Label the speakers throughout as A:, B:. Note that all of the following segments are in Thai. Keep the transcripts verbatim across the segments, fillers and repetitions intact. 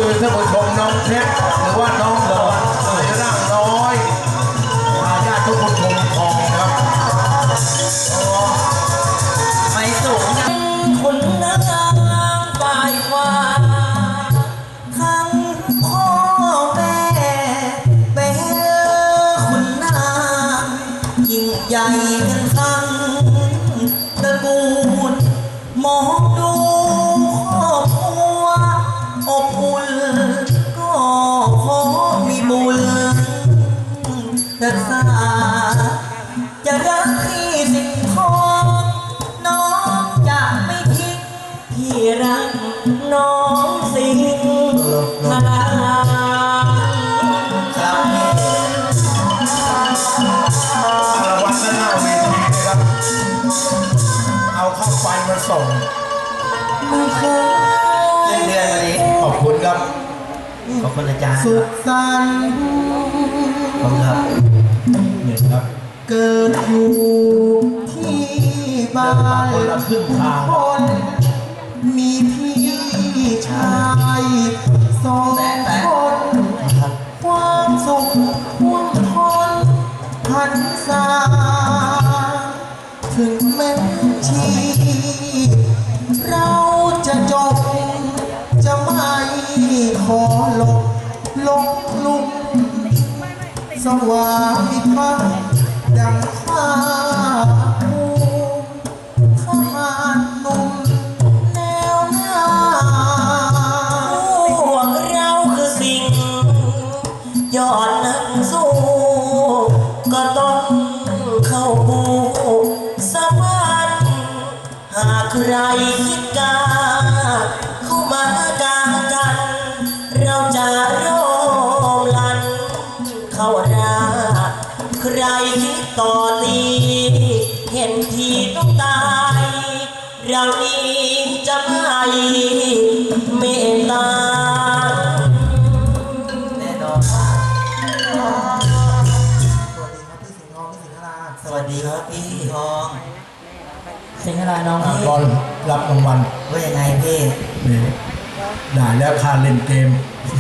A: คือท่านผู้ชมน้องเพชรหรือว่าน้องหลอนสวยร่างน้อยอาญาทุกคนคงทองครับ
B: ไม่สูงยังคนนางฝ่ายฟ้าทั้งพ่อแม่เป็นคนนางยิ่งใหญ่กันทั้งตระกูลมองดูครอบครัวอบอุ่นก็ขอมีบุญรักษาจะรักพี่สิ่งทองน้องจะไม่ทิ้งพี่รักน้องสิ่งทางครับ
A: รางวัลด้านหน้าเวทีนะครับ เอาเข้าไฟมาส่ง
B: เดือนเดือนวันนี้
A: ขอบคุณครับ
B: ขอบคุณอาจารย์
A: สุขสันต์
B: ขอบคุณครับ
A: นี่ครับ
C: เกิดอยู่ที่บ้าน
A: คนละครึ่งทาง
C: คนมีพี่ชายสองคนความสุขท่วมท้นพันษาถึงแม้ชีเราจะจบจะไม่ขอหลบลงลุมสวามิภักดิ์ดังข้าภูทหารหนุ่มแนวหน้า
B: พวกเราคือสิ่งยอดนักสู้ก็ต้องเข้าบูสวรรค์หากใครคิดกาเข้ามากากันเราจะร่วมลันเข้าราใครคิดต่อตีเห็นทีต้องตายเรานี้จะไม่เมตตาแน่นอนสวัสดีครับพี่สิงห์ทองพี่สิงห์ทองสิงห์อะไรน้องพี่
A: บอลรับรางวัล
B: ว่ายังไงพี่
A: นี่ได้แล้วค่าเล่นเกม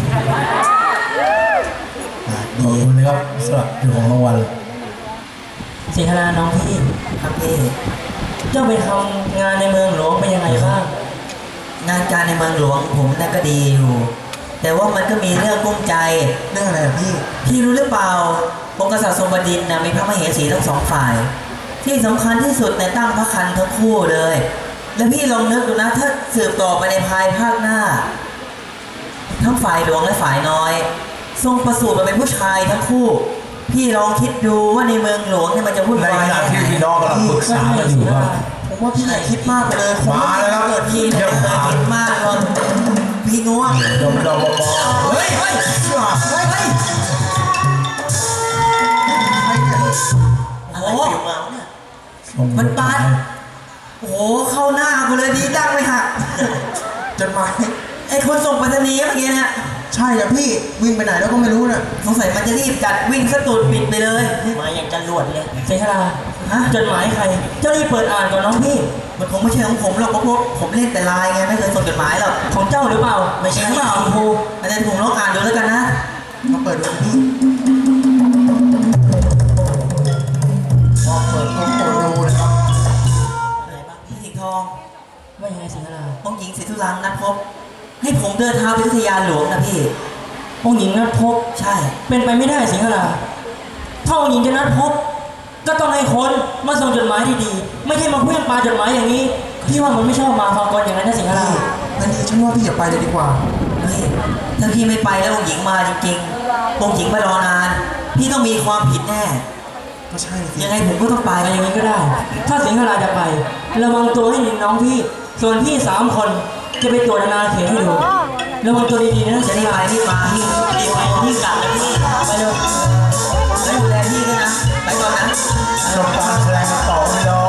A: ขอบคุณนะครับสำหรับเจ้าของรางวัล
B: สิงห์อะไรน้องพี่ครับพี่เจ้าไปทำงานในเมืองหลวงเป็นยังไงบ้างงานการในเมืองหลวงผมน่าก็ดีอยู่แต่ว่ามันก็มีเรื่องกุ้งใจ
C: เรื่องอะไรพี่
B: พี่รู้หรือเปล่าองค์กษัตริย์ทรงบดินทร์นะมีพระมเหสีทั้งสองฝ่ายที่สำคัญที่สุดในตั้งพระคันทั้งคู่เลยแล้วพี่ลองนึกดูนะถ้าสืบต่อไปในภายภาคหน้าทั้งฝ่ายหลวงและฝ่ายน้อยทรงประสูติมาเป็นผู้ชายทั้งคู่พี่ลองคิดดูว่าในเมืองหลวงเนี่ยมันจะวุ่นวาย
A: ในขณะที่พี่น้องกำลังปรึกษากันอยู่ครับ
C: ผมว่าพี่ใหญ่คิดมากไปเลย
A: มาแล้วครับ
B: เกิดพี่เนี่ยเคยคิดมากหรอกพี่ง่วง
A: ดมดมม
B: เฮ้ยเฮ้ยเฮ้ยเฮ้ยอะไรอยู่มาเนี่ยมันปาดโอ้โหเข้าหน้ากูเลยดีดังเลยค่ะ
C: จดหมาย
B: ไอ้คนส่งไปรษณีย์เมื่อกี้เนี่ย
C: ใช่อะพี่วิ่งไปไหนแล้วก็ไม่รู้นะ
B: สงสัยมันจะรีบจัดวิ่งสตูดปิดไปเลยมาอย่างจะรวดเลยเซฮาราฮะจดหมายใครเจ้ารีบเปิดอ่านก่อนน้องพี่มันคงไม่ใช่ของผมหรอกเพราะผมเล่นแต่ไลน์ไงไม่เคยส่งจดหมายหรอกของเจ้าหรือเปล่าไม่ใช่เปล่าครูอาจารย์ผมลองอ่านดูแล้วกันนะ
C: มาเปิดดูพี่
A: พอเปิดโอ้โหดูนะครับ
B: อะไรบ้างพี่สิงห์ทองว่ายังไงสิงห์ราองค์หญิงศรีธุรังนัดพบให้ผมเดินทางไปพัทยาหลวงนะพี่องค์หญิงนัดพบใช่เป็นไปไม่ได้สิงห์ราถ้าองค์หญิงจะนัดพบก็ต้องให้คนมาส่งจดหมายดีๆไม่ใช่มาเพื่อนปาจดหมายอย่างนี้พี่ว่ามันไม่ชอบมาฟังก่อนอย่างนั้นนะสิงห์รา
C: อันนี้ฉันว่าพี่อย่าไปเลยดีกว่า
B: เฮ้ยถ้าพี่ไม่ไปแล้วองค์หญิงมาจริงๆองค์หญิงมารอนานพี่ต้องมีความผิดแน่
C: ก็ใช่
B: ยังไงผมก็ต้องไปอย่างนี้ก็ได้ถ้าสิงห์ราจะไประวังตัวให้ดีน้องพี่ส่วนพี่สามคนจะไปตรวจนาเขตให้ดูระวังตัวดีๆนะจะรีบไปรีบมาพี่รีบไปรีบกลับเลยพี่ไปเร็วแล้วดูแลพี่ด้วยนะไปก่อนนะ
A: จบการแสดงต่อพี่น้อง